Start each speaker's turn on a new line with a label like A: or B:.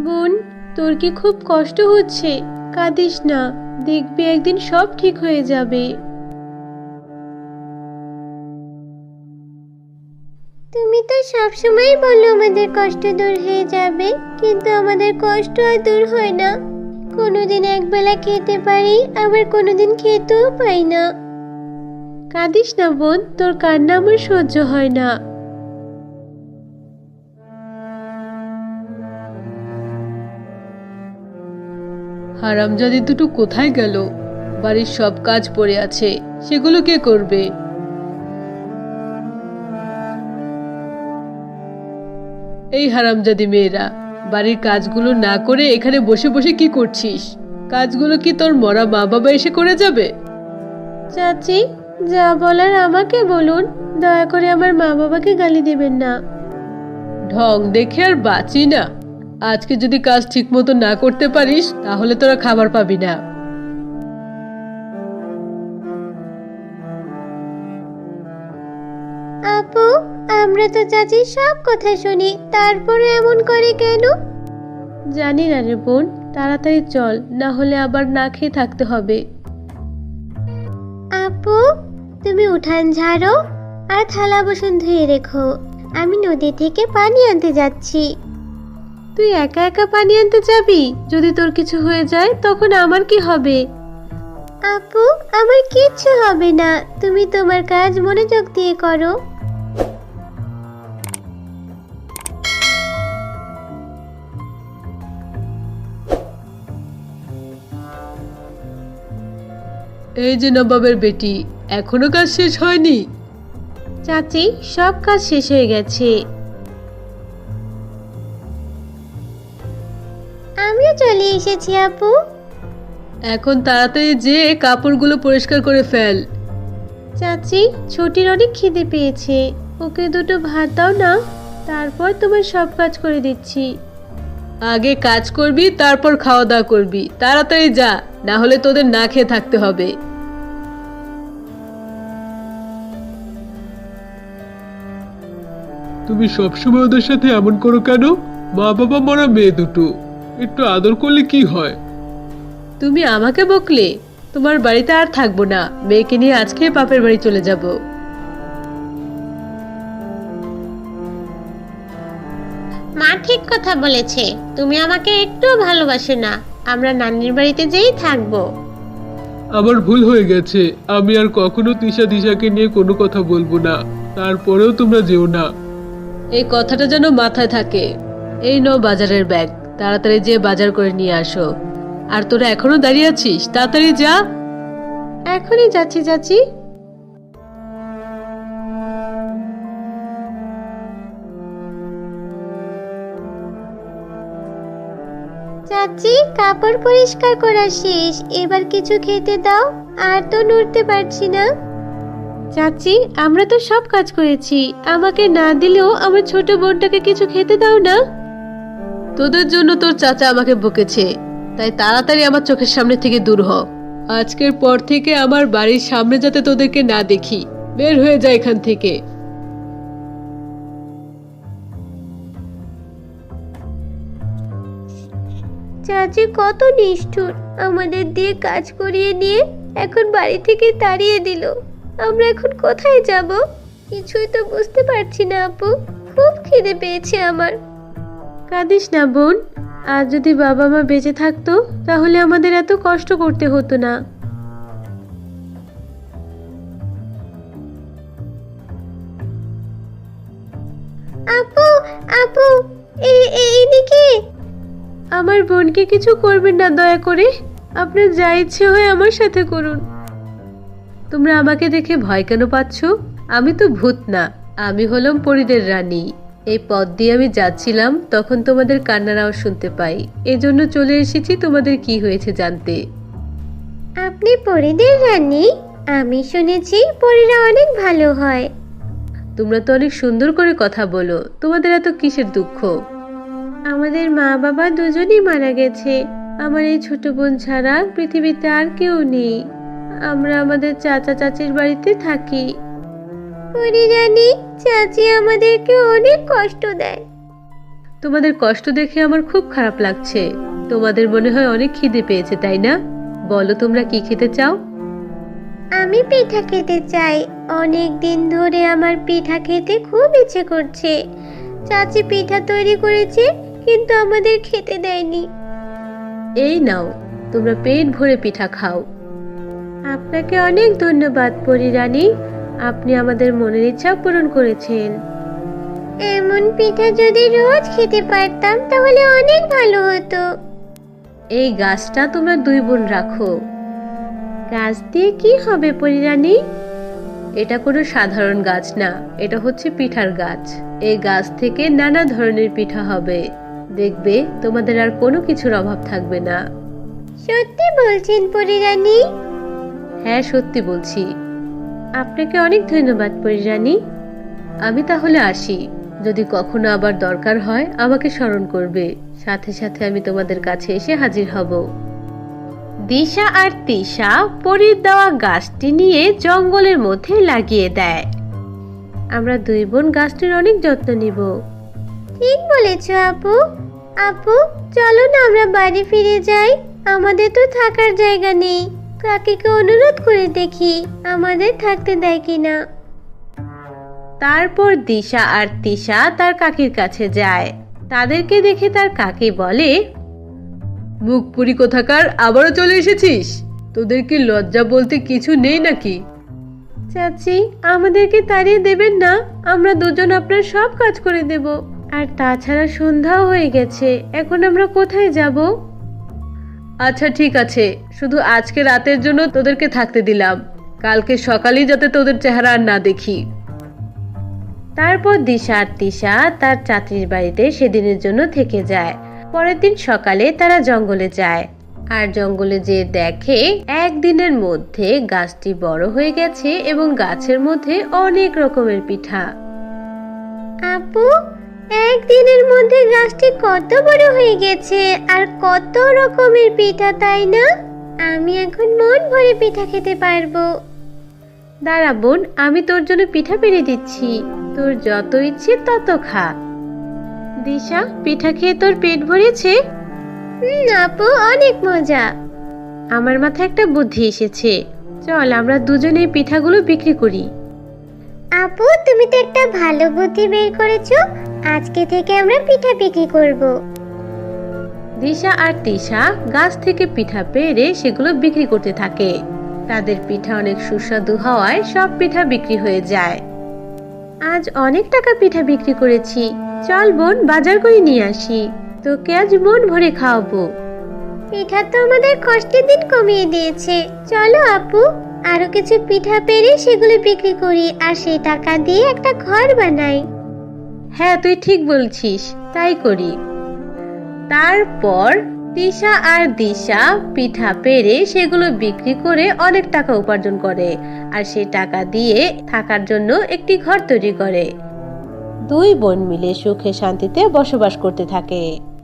A: বোন, তোর কি খুব কষ্ট হচ্ছে? কাঁদিস না, দেখবি একদিন সব ঠিক হয়ে যাবে।
B: তুমি তো সবসময় বলো আমাদের কষ্ট দূর হয়ে যাবে, কিন্তু আমাদের কষ্ট আর দূর হয় না। কোনোদিন একবেলা খেতে পারি, আবার কোনোদিন খেতেও পাই না।
A: কাঁদিস না বোন, তোর কান্না আমার সহ্য হয় না।
C: হারামজাদি দুটো কোথায় গেল? বাড়ির সব কাজ পড়ে আছে, সেগুলো কে করবে? এই হারামজাদি মেয়েরা, বাড়ির কাজগুলো না করে এখানে বসে বসে কি করছিস? কাজগুলো কি তোর মরা মা বাবা এসে করে যাবে?
A: চাচি, যা বলার আমাকে বলুন, দয়া করে আমার মা বাবাকে গালি দেবেন না।
C: ঢং দেখে আর বাঁচি না। আজকে যদি কাজ ঠিক মতো না করতে পারিস তাহলে তোরা খাবার পাবি না।
B: আপু, আমরা তো চাচির সব কথা শুনি, তারপরে এমন করে কেন?
A: জানি না রে বোন, তাড়াতাড়ি চল, না হলে আবার না খেয়ে থাকতে হবে।
B: আপু, তুমি উঠান ঝাড়ো আর থালা বাসন ধুয়ে রেখো। আমি নদী থেকে পানি আনতে যাচ্ছি।
A: তুই একা একা পানি আনতে যাবি? যদি তোর কিছু হয়ে যায় তখন আমার কি হবে?
B: আপু, আমার কিচ্ছু হবে না, তুমি তোমার কাজ মনোযোগ দিয়ে করো।
C: এই যে নবাবের বেটি, এখনো কাজ শেষ হয়নি?
A: চাচি, সব কাজ শেষ হয়ে গেছে।
B: আমিও চলে এসেছি আপু।
C: এখন তাড়াতাড়ি যে কাপড়গুলো পরিষ্কার করে ফেল।
A: চাচি, ছোটির অনেক খিদে পেয়েছে, ওকে দুটো ভাত দাও না, তারপর তোমার সব কাজ করে দিচ্ছি।
C: আগে কাজ করবি, তারপর খাওয়া দাওয়া করবি। তাড়াতাড়ি যা, না হলে তোদের না খেয়ে থাকতে হবে।
D: তুমি সবসময় ওদের সাথে এমন করো কেন? মা বাবা মরা মেয়ে দুটো, একটু আদর করলে কি হয়?
C: তুমি আমাকে বকলে? তোমার বাড়িতে আর থাকবো না, মেয়েকে নিয়ে আজকে বাপের বাড়ি চলে যাব।
B: মা ঠিক কথা বলেছে, তুমি আমাকে একটু ভালোবাসো না। আমরা নানির বাড়িতে যেই থাকবো।
D: আমার ভুল হয়ে গেছে, আমি আর কখনো তিশা দিশাকে নিয়ে কোনো কথা বলবো না। তারপরেও তোমরা যেও না।
C: এই কথাটা যেন মাথায় থাকে। এই নাও বাজারের ব্যাগ, তাড়াতাড়ি যেয়ে বাজার করে নিয়ে আসো। আর তোরা এখনো দাঁড়িয়ে আছিস? তাড়াতাড়ি যা।
A: এখনই যাচ্ছি চাচি।
B: চাচি, কাপড় পরিষ্কার করা শেষ, এবার কিছু খেতে দাও। আর তো নড়তে পারছি না।
A: চাচি, আমরা তো সব কাজ করেছি, আমাকে না দিলেও আমার ছোট বোনটাকে কিছু খেতে দাও না।
C: তোদের জন্য তোর চাচা আমাকে বকেছে, তাই তাড়াতাড়ি আমার চোখের সামনে থেকে দূর হ। আজকের পর থেকে আমার বাড়ির সামনে যাতে তোদেরকে না দেখি। বের হয়ে যায় এখান থেকে।
B: চাচি কত নিষ্ঠুর, আমাদের দিয়ে কাজ করিয়ে নিয়ে এখন বাড়ি থেকে তাড়িয়ে দিল। আমরা এখন কোথায় যাব? কিছুই তো বুঝতে পারছি না আপু, খুব খিদে পেয়েছে আমার।
A: কাঁদিস না বোন, আজ যদি বাবা মা বেঁচে থাকতো তাহলে আমাদের এত কষ্ট করতে হতো না।
B: আপু, আপু, এইদিকে।
A: আমার বোনকে কিছু করবেন না দয়া করে, আপনার যা ইচ্ছে হয় আমার সাথে করুন।
C: তোমরা আমাকে দেখে ভয় কেন পাচ্ছ? আমি তো ভূত না, আমি হলাম পরীদের রানী। এই পথ দিয়ে আমি যাচ্ছিলাম, তখন তোমাদের কান্নার আওয়াজ শুনতে পাই। এজন্য চলে এসেছি তোমাদের কি হয়েছে জানতে।
B: আপনি পরীদের রানী? আমি শুনেছি পরীরা অনেক ভালো হয়।
C: তোমরা তো অনেক সুন্দর করে কথা বলো, তোমাদের এত কিসের দুঃখ?
A: আমাদের মা বাবা দুজনেই মারা গেছে, আমার এই ছোট বোন ছাড়া পৃথিবীতে আর কেউ নেই। আমরা আমাদের চাচা চাচির বাড়িতে থাকি।
B: পরী রানী, চাচি আমাদেরকে অনেক কষ্ট দেয়।
C: তোমাদের কষ্ট দেখে আমার খুব খারাপ লাগছে। তোমাদের মনে হয় অনেক খিদে পেয়েছে, তাই না? বলো তোমরা কি খেতে চাও?
B: আমি পিঠা খেতে চাই। অনেক দিন ধরে আমার পিঠা খেতে খুব ইচ্ছে করছে। চাচি পিঠা তৈরি করেছে, কিন্তু আমাদের খেতে দেয়নি।
C: এই নাও, তোমরা পেট ভরে পিঠা খাও।
A: আপনাকে অনেক ধন্যবাদ পরী রানী, আপনি আমাদের মনের ইচ্ছা পূরণ করেছেন।
B: এমন পিঠা যদি রোজ খেতে পারতাম তাহলে অনেক ভালো হতো।
C: এই গাছটা তোমরা দুই বোন রাখো।
A: গাছ দিয়ে কি হবে পরী রানী?
C: এটা কোনো সাধারণ গাছ না, এটা হচ্ছে পিঠার গাছ। এই গাছ থেকে নানা ধরনের পিঠা হবে। দেখবে তোমাদের আর কোনো কিছুর অভাব থাকবে না।
B: সত্যি বলছেন পরী রানী?
C: হ্যাঁ, সত্যি বলছি।
A: আপনাকে অনেক ধন্যবাদ পরী রানী।
C: আমি তাহলে আসি। যদি কখনো আবার দরকার হয় আমাকে স্মরণ করবে। সাথে সাথে আমি তোমাদের কাছে এসে হাজির হব।
A: দিশা আর তিশা পরীর দেওয়া গাছটি নিয়ে জঙ্গলের মধ্যে লাগিয়ে দেয়। আমরা দুই বোন গাছটির অনেক যত্ন নিব।
B: ঠিক বলেছো আপু। আপু, চলো না আমরা বাড়ি ফিরে যাই। আমাদের তো থাকার জায়গা নেই। কাকিকে অনুরোধ করে দেখি আমাদের থাকতে দেয় কিনা।
A: তারপর দিশা আর তিশা তার কাকির কাছে যায়। তাদেরকে দেখে তার কাকি বলে,
C: মুখ পুরি কোথাকার, আবারও চলে এসেছিস? তোদের কি লজ্জা বলতে কিছু নেই নাকি?
A: চাচি, আমাদেরকে তাড়িয়ে দেবেন না। আমরা দুজন আপনার সব কাজ করে দেব। আর তাছাড়া সন্ধ্যাও হয়ে গেছে, এখন আমরা কোথায় যাব?
C: আচ্ছা ঠিক আছে, শুধু আজকে রাতের জন্য তোদেরকে থাকতে দিলাম। কালকে সকালেই যাতে তোদের চেহারা আর না দেখি।
A: তারপর দিশা আর তিশা তার চাচির বাড়িতে সেদিনের জন্য থেকে যায়। পরের দিন সকালে তারা জঙ্গলে যায়। আর জঙ্গলে যেয়ে দেখে একদিনের মধ্যে গাছটি বড় হয়ে গেছে এবং গাছের মধ্যে অনেক রকমের পিঠা।
B: আপু, একদিনের মধ্যে গাছটি কত বড় হয়ে গেছে আর কত রকমের পিঠা, তাই না? আমি এখন মন ভরে পিঠা খেতে পারবো।
A: দাঁড়া বোন, আমি তোর জন্য পিঠা পেরে দিচ্ছি। তোর যত ইচ্ছে তত খা। দিশা, পিঠা খেয়ে তোর পেট ভরেছে?
B: আপু, অনেক মজা।
A: আমার মাথায় একটা বুদ্ধি এসেছে। চল আমরা দুজনে এই পিঠাগুলো বিক্রি করি।
B: আপু, তুমি তো একটা ভালো বুদ্ধি বের করেছো। আজকে থেকে আমরা পিঠা বিক্রি করব।
A: দিশা আর তিশা গাছ থেকে পিঠা পেড়ে সেগুলো বিক্রি করতে থাকে। তাদের পিঠা অনেক সুস্বাদু হওয়ায় সব পিঠা বিক্রি হয়ে যায়। আজ অনেক টাকা পিঠা বিক্রি করেছি। চল বোন, বাজার করে নিয়ে আসি। তোকে আজ মন ভরে খাওয়াবো।
B: পিঠা তো আমাদের কষ্টের দিন কমিয়ে দিয়েছে। চলো আপু, আরো কিছু পিঠা পেরে সেগুলো বিক্রি করি আর সেই টাকা দিয়ে একটা ঘর বানাই।
A: হ্যাঁ, তুই ঠিক বলছিস, তাই করি। তারপর তিশা আর দিশা পিঠা পেড়ে সেগুলো বিক্রি করে অনেক টাকা উপার্জন করে আর সেই টাকা দিয়ে থাকার জন্য একটি ঘর তৈরি করে। দুই বোন মিলে সুখে শান্তিতে বসবাস করতে থাকে।